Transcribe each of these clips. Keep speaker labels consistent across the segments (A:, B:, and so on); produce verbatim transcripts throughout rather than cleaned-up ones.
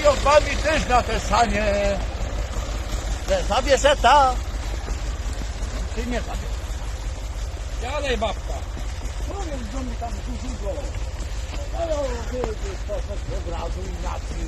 A: panią też na te sanie. Zabierze ta. Ty nie zabierz.
B: Siadaj, babka.
A: Powiem, że mi tam dużo. No, wyjdziesz poszedł od razu inaczej.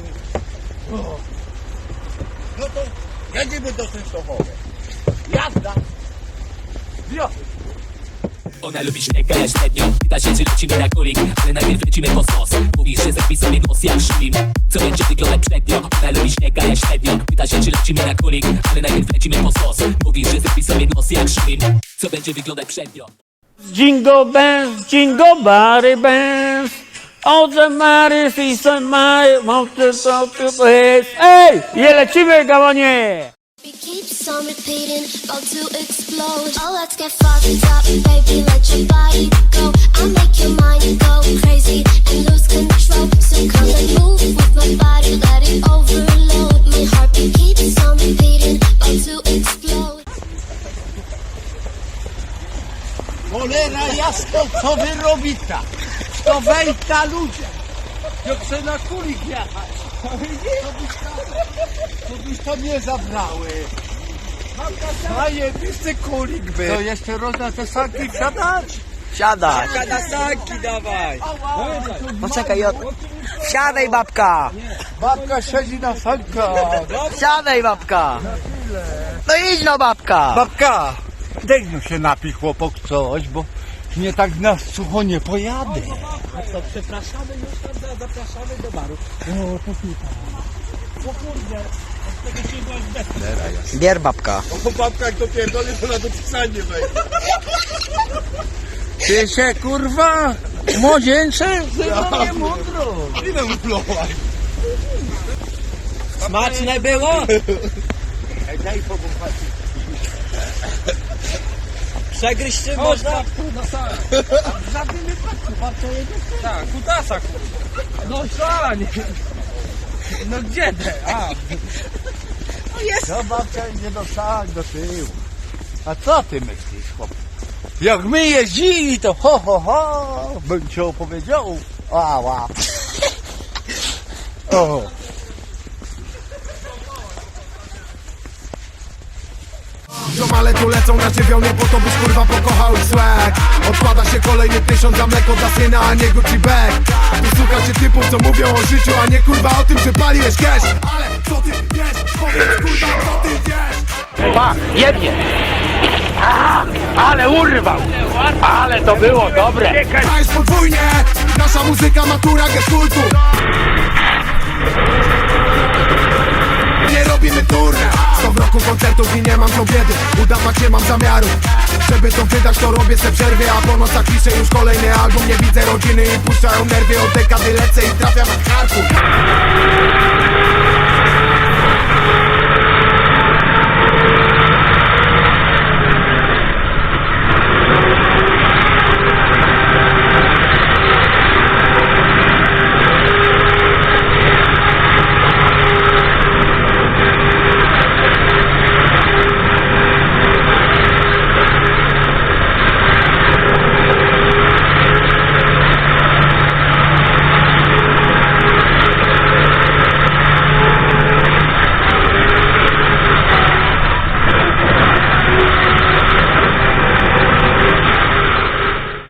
A: No to jedziemy do Częstochowy. Jazda. Wiosny.
C: Ona lubi śniega, ja średnio. Pyta się, czy lecimy na kulik, ale najpierw lecimy po sos. Mówi, że zrobi sobie nos jak szlim. Co będzie wyglądać przednio? Ona lubi śniega, ja średnio. Pyta się, czy lecimy na kulik, ale najpierw lecimy po sos. Mówi, że zrobi sobie nos jak szlim. Co będzie wyglądać przednio?
D: Jingle bells, jingle body bells. All the Mary, see some Mary, want to go to place. Ej, je lecimy, gałonie!
E: It keeps on repeating, about to explode. Oh, let's get fucked up, baby, let your body go. I'll make your mind go crazy and lose control. So come and move with my body, let it overload. My heartbeat keeps on repeating, about to explode.
A: Cholera jasno, co wy robicie? To wejdź na ludzie. Ja chcę na kulik jechać. To byś to nie zabrały. Zajebisty kulik by. To jeszcze rozda te sanki wsiadać?
F: Siadaj.
B: Na sanki dawaj.
F: Poczekaj, Jot. Siadaj, babka.
A: Babka siedzi na sankach.
F: Siadaj, babka. No idź no, babka.
A: Babka, daj no się napij chłopok coś, bo nie tak na sucho nie pojadę.
B: A co, przepraszamy już tam, za- zapraszamy do baru. No, to super. O kurde, od tego się byłaś bez.
F: Bier, babka.
G: O babka jak to pierdolę, to na to pisanie wejdzie.
A: Ty się kurwa, młodzieńcze? Ja nie mądro.
G: Ile uplołaś?
B: Smaczne było?
A: Daj powąchać.
B: Przegryźć się można? Na salę.
A: W żadnym wypadku, babcia jedzie.
B: Tak, kutasa kurwa. No sań. No gdzie te? A,
A: No babcia idzie do sali, do tyłu. A co ty myślisz, chłop? Jak my jeździli, to ho, ho, ho, bym ci opowiedział. Ała. O.
G: Ziomale tu lecą na dziewiątej, po to byś kurwa pokochał ich swag. Odkłada się kolejny tysiąc za mleko dla syna, a nie Gucci bag. Tu słucha się typów, co mówią o życiu, a nie kurwa o tym, że paliłeś cash. Ale co ty wiesz? Powiedz kurwa, co ty wiesz?
D: Pa, jednie! A, ale urwał! Ale to było dobre!
G: A jest podwójnie, nasza muzyka matura geskultu. Nie robimy turne, sto w roku koncertów i nie mam co biedy. Udawać nie mam zamiaru, żeby to wydać, to robię se przerwy. A po nocach piszę już kolejny album. Nie widzę rodziny i puszczają nerwy. Od dekady lecę i trafiam na Charków.